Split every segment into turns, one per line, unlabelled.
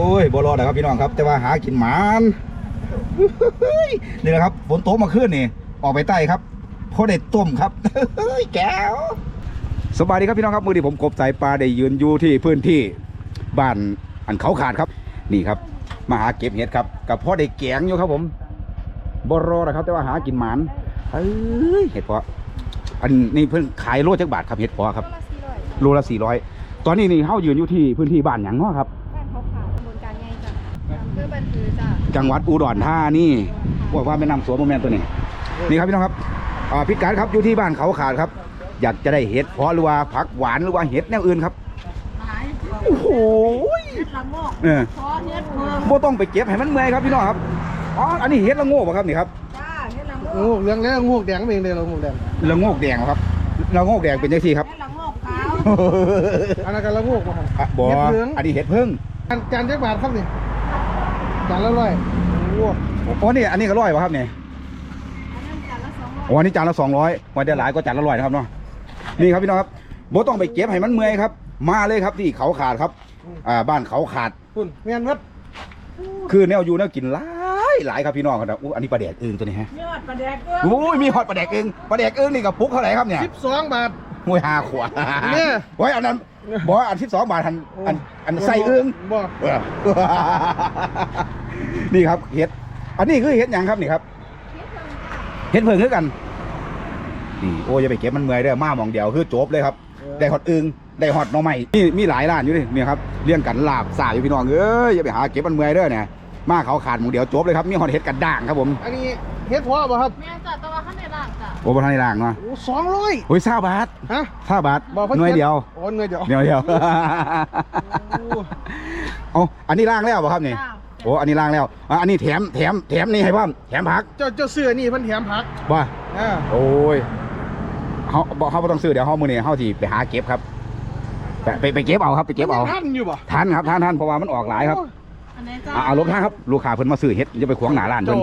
อ้ยบ่รอดนะครับพี่น้องครับแต่ว่าหากินหมานนี่แหละครับฝนตกมาขึ้นนี่ออกไปใต้ครับเพราะได้ต้มครับแก้วสบายดีครับพี่น้องครับมือที่ผมกบสายปลาได้ยืนอยู่ที่พื้นที่บ้านอันเขาขาดครับนี่ครับมาหาเก็บเห็ดครับกับพ่อได้แกงอยู่ครับผมบ่รอดนะครับแต่ว่าหากินหมานเห็ดเพาะอันนี้เพิ่งขายโลจักบาทครับเห็ดเพาะครับโลละ400ตอนนี้นี่เขายืนอยู่ที่พื้นที่บ้านหยังเนาะครับ
บ้านเขาขาวตำบลการไงจ้ะอำเภอบันพือจ้ะ
จังหวัดอุดรธานีบอกว่าแม่น้ำสวนโมแมนตัวนี้นี่ครับพี่น้องครับพิกัดครับอยู่ที่บ้านเขาขาดครับอยากจะได้เห็ดเพาะหรือว่าผักหวานหรือว่าเห็ดแนวอื่นครับโอ้โห
เห็ดละโงกเพาะเห็ดเพิ่ม
โบต้องไปเก็บให้มันเมื่อยครับพี่น้องครับอันนี้เห็ดละโงกครับนี่ครับ
จ้าเห็ดละโงก
เรื่องแล้วงูแดงเป็นเดียวงูแดง
ละโงกแดงครับละโงกแดงเป็นยังไงครับ
เห็ดละโงกขาว
อันนั้นก็ละงูมาครับ
บออันนี้เห็ดพึ่ง
จานจักบาทครับนี่จานละ100
โอ้นี่อันนี้ก็100ป่ะครับเนี่ยอันนี้จานละ200วันเดียวหลายก็จานละ100นะครับเนาะนี่ครับพี่น้องครับโบต้องไปเก็บให้มันเมื่อยครับมาเลยครับที่เขาขาดครับบ้านเขาขาด
คุณเมียนวัด
คือแนวอยู่แนวกินหลายครับพี่น้องครับอันนี้ปลาแดกอึ่งตัวนี้ฮะ
ยอดปลาแดกอึ่ง
โอ้ยมีฮอตปลาแดกอึ่งนี่กับปุ๊กเท่าไหร่ครับเนี่ย
12 บาท
มวย5 ขวด
เนี่ย
ไว้อันนั้นบอกอัน12 บาทอันใส่อึ่ง
บอก
นี่ครับเห็ดอันนี้คือเห็ดยังครับนี่ครับเห็ดเพิ่งคือกันนี่โอ้ยอย่าไปเก็บมันเมื่อยเด้อมาหมองเดียวคือจบเลยครับได้ฮอตอึ่งได้ฮอตน้องใหม่นี่มีหลายร้านอยู่นี่ครับเลี้ยงกันลาบสายอยู่พี่น้องอย่าไปหาเก็บมันเมื่อยเด้อเนี่ยมาเขาขาดหมองเดียวจบเลยครับมีฮอตเห็ดกันด่างครับผม
อันนี้เห็ดเพาะป่ะครับ
แม่จ้ะแต่ว่าข้างในล่างจ้ะ
โอ้บนทางในด่างเนาะ
โอ้200
โอ้ย20 บาท
ฮะ
20 บาทหน่วยเดียว
โอ้หน่วยเดียว
เอาอันนี้ล่างแล้วป่ะครับนี่โอ้อันนี้ล่างแล้วอันนี้แถมนี่ให้พ่อมแถมผัก
เจ้าเสื้อนี่เพิ่นแถมผัก
ว่าโอ้ยเขาไม่ต้องซื้อเดี๋ยวเขามือเนี่ยเขาที่ไปหาเก็บครับไปเก็บเอาครับไปเก็บเอา
ทันอยู่ป่ะ
ทันครับทันเพราะว่ามันออกหลายครับเอาลบท่าครับลูกค้าเพิ่นมาซื้อเห็ดจะไปขวางหนาร้านเพิ่น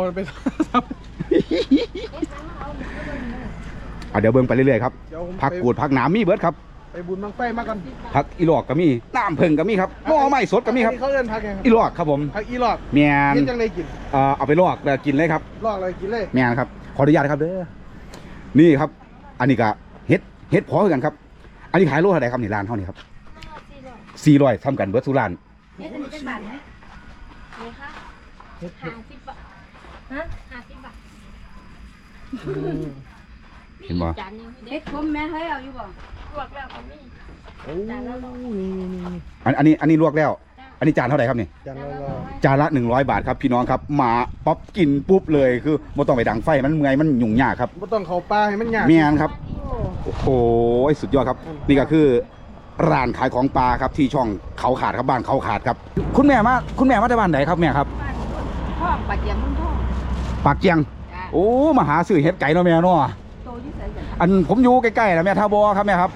เดี๋ยวเบิ่งไปเรื่อยๆครับผักกูดผักหนามมีเบิร์ดครับ
ไปบุญบังไฟมากัน
ผักอีหลอกก็มีน้ำผึ้งก็มีครับหม้อไม้สดก็มีครับ
เขาเอิ้นผักยัง
อีหลอกครับผม
ผักอีหลอก
เมียน
จังเลยกิน
เอาไปลอกแล้วกินเลยครับ
ลอกเลยกินเลย
เมียนครับขออนุญาตครับเด้อนี่ครับอันนี้ก็เห็ดพอกันครับอันนี้ขายโลเท่าไหร่ครับนี่ร้านเท่านี้ครับ400ทำกันเบิร์ดสุราน
เฮ็ดอันนี้เป็นบาทไหมนี่ค่ะ50 บาทฮะ50 บาท
เห็นบ่
เฮ็ดผมแม่ให้เอาอยู่บ่ลวกแล้วก็มี
อันนี้ลวกแล้วอันนี้จานเท่าไหร่ครับนี่จานละ100 บาทครับพี่น้องครับมาป๊อปกินปุ๊บเลยคือไม่ต้องไปดังไฟมันเมื่อยมันยุ่งยากครับ
ไม่ต้องเข้าป่าให้มันยาก
เมียนครับโอ้โหสุดยอดครับนี่ก็คือร้านขายของปลาครับที่ช่องเขาขาดครับบ้านเขาขาดครับคุณแม่มาจากบ้านไหนครับแม่ครับ
พ่อปากเจียงมุ่งท่อง
ปากเจียงโอ้มาหาซื้อเห็ดไก่เนาะแม่เนาะอันผมอยู่ใกล้ๆนะแม่ท่าบัวครับแม่ครับ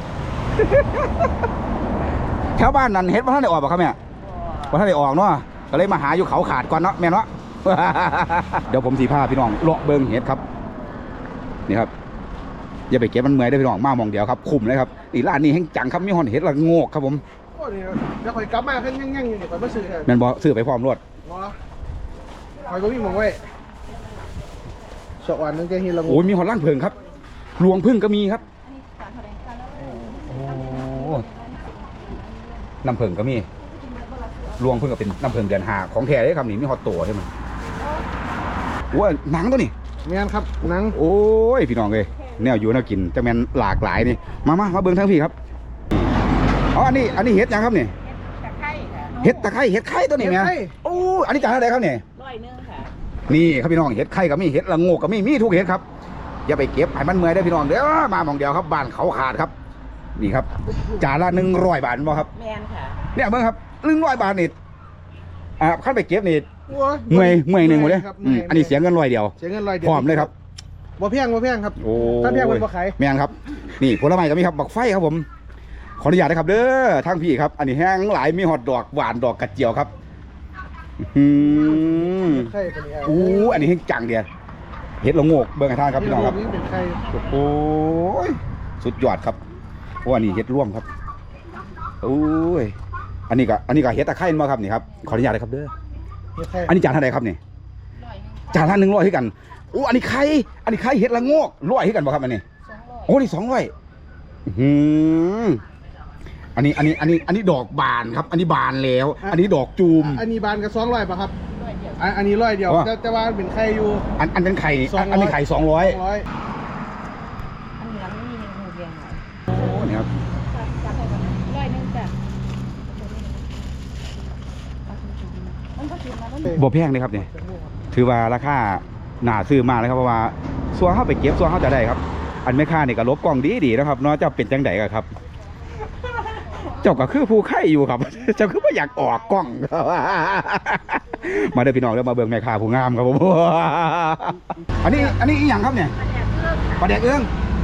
แถวบ้านนั้นเห็ดว่าท่านได้ออกป่ะครับแม่ว่าท่านได้ออกเนาะก็เลยมาหาอยู่เขาขาดก่อนเนาะแม่เนาะเดี๋ยวผมสีผ้าพี่น้องเลาะเบิ้งเห็ดครับนี่ครับอย่าไปเก็บมันเมื่อยได้พี่น้องมามองเดียวครับคุ้มเลยครับนี่ร้านนี้แห้งจังครับมีหอนเห็ดละโงกครับผม
โอ้ยเดี๋ยวคอยกลับมาขึ้นยั่งๆอยู่คอยมาซื้อ
แม่นบอซื้อไปพร้อมรถ
คอยก็มีมองไว้สวรรค์นึงแกเห็นละโงก
โอ้ยมีหอนล่างเพิงครับรวงพึ่งก็มีครับน้ำเพิงก็มีรวงพึ่งก็เป็นน้ำเพิงเดือน5ของแท้เลยครับนี่มีหอตตัวใช่ไหมว้าหนังตัวนี้
แม่นครับหนัง
โอ้ยพี่น้องเลยแนวอยู่แนวกินแต่แม่นหลากหลายนี่มาเบิ้งทั้งพี่ครับอันนี้เห็ดยังครับนี่เห็ดตะไคร้เห็ดไข่ตัวนี้ไงโอ้อันนี้จานอะไรครับเนี่ย
100ค่ะ
นี่ครับพี่น้องเห็ดไข่ก็มีเห็ดละโงกก็มีทุกเห็ดครับอย่าไปเก็บให้มันเมื่อยได้พี่น้องเด้อมาหมองเดียวครับบ้านเขาขาดครับนี่ครับจานละ100 บาทมั้งครับ
แม่นค่ะ
เนี่ยเบิ้งครับ100 บาทนี่ขั้นไปเก็บนี่เมื่อยหนึ่งหมดเลยอันนี้เสียเงิน100 เดียวพร้อมเลยครับ
บ่เพียงครับ
โอ้
ถ้าเพียงมันบ่ขาย
แม่นครับนี่ผลไม้ก็มีครับบักไฟครับผมขออนุญาตนะครับเด้อทางพี่ครับอันนี้แห้งหลายมีหอดดอกหวานดอกกระเจียวครับอันนี้แห้งจังเดียเห็ดละโงกเบิ้งให้ท่านครับพี่น้องครับโอ้ยสุดยอดครับอันนี้เห็ดร่วมครับโอ้ยอันนี้ก็เฮ็ดตะไคร้มาครับนี่ครับขออนุญาตเลยครับเด้อ
เฮ็ดไข่
อันนี้จานเท่าไหร่ครับนี่จานละ100ให้กันโอ้อันนี้ไข่เฮ็ดละโงก100ให้กันบ่ครับอันนี้โอ้นี่200อันนี้ดอกบานครับ อันนี้บานแล้ว อันนี้ดอกจูม
อันนี้บานกับ200ป่ะครับอันนี้100เดียวแต่ว่าเป็นไข่อยู่
อันเป็นไข่อันนี้ไข่200
200
อันเหลืองนี่หูเรียงหน่อย
โอ้นี่ครับ
จับให้ก่อน100จ้ะมันก็กินมาแล้ว
บ่แพงเลยครับนี่ถือว่าราคาน่าซื้อมากเลยครับเพราะว่าส่วนเข้าไปเก็บส่วนเข้าจะได้ครับ อันแม่ค้านี่ก็ลบกล้องดีๆนะครับเนาะเจ้าเป็นจังไดก็ครับ เจ้าก็คือผู้ไข่อยู่ครับ เจ้าคือไม่อยากออกกล้องครับมาเด้อพี่น้องเด้อมาเบิ่งแม่ค้าผู้งามครับผม อันนี้อีหยังครับเนี่ยปลาแดกเอื้อง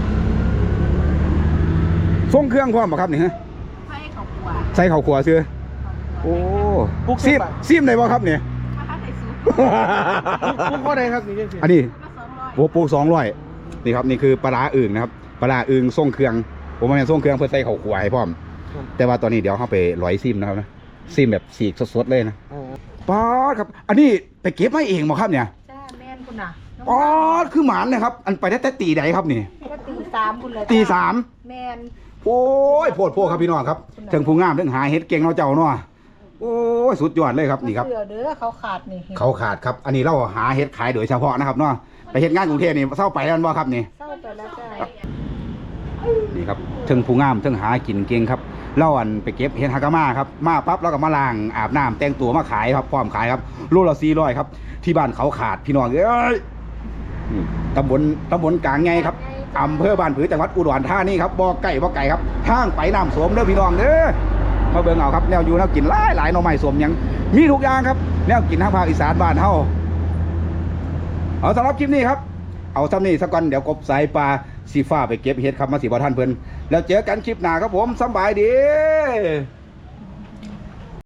ส่งเครื่องพร้อมบ่ครับนี่ฮะ
ไฟเขาขวา
ใส่ข้าวคั่วซื้อโอ้ซิมได้บ่ครับเนี่ย
ถ้าใส่ซุป
ปุ๊กก็ได้ครับนี่จังซี่
อันนี้
ก็200
โอ้ปู200นี่ครับนี่คือปลาร้าอึ่งนะครับปลาร้าอึ่งส่งเครื่องผมมาเป็นส่งเครื่องเพื่อใส่ข้าวคั่วให้พร้อมแต่ว่าตอนนี้เดี๋ยวเข้าไปร้อยซิมนะครับนะซิมแบบสีกสดๆเลยนะป๊อดครับ อันนี้ไปเก็บมาเองบ่ครับเนี่ย
จ้าแม่นคุณน่ะ
ป๊อดคือหมานนะครับอันไปได้แต่ตีใดครับนี่
ก็ตี3คุณเลย
ตี
แม่น
3โอ้ยโพดครับพี่น้องครับถึงผู้งามถึงหาเฮ็ดเก่งเนาะเจ้าเนาะโอ้ยสุดยอดเลยครับนี่ครับ
เสือเด้อเขาขาดนี่
เขาขาดครับอันนี้เราหาเฮ็ดขายโดยเฉพาะนะครับเนาะไปเฮ็ดงานกรุงเทพนี่เศร้าไปแล้วบ่ครับนี่
เศร้าไปแล้วจ้า
นี่ครับถึงผู้งามถึงหากินเก่งครับเล่าอันไปเก็บเห็ดฮากามาครับมาปั๊บแล้วก็มาล้างอาบน้ำแต่งตัวมาขายครับพร้อมขายครับโลละ400ครับที่บ้านเขาขาดพี่น้องเอ้ยนี่ตำบลกลางไงครับอำเภอบ้านผือจังหวัดอุดรธานีครับบ่ไก่ครับทางไปน้ำสวมเด้อพี่น้องเด้อมาเบิ่งเอาครับแนวอยู่แนวกินหลายหน่อไม้สวมหยังมีทุกอย่างครับแนวกินทางภาคอีสานบ้านเฮาเอาสำหรับคลิปนี้ครับเอาซ้ำนี่สักก่อนเดี๋ยวกบสายปลาสีฟ้าไปเก็บเห็ดครับมาสีบ่ท่านเพิ่นแล้วเจอกันคลิปหน้าครับผมสบายดี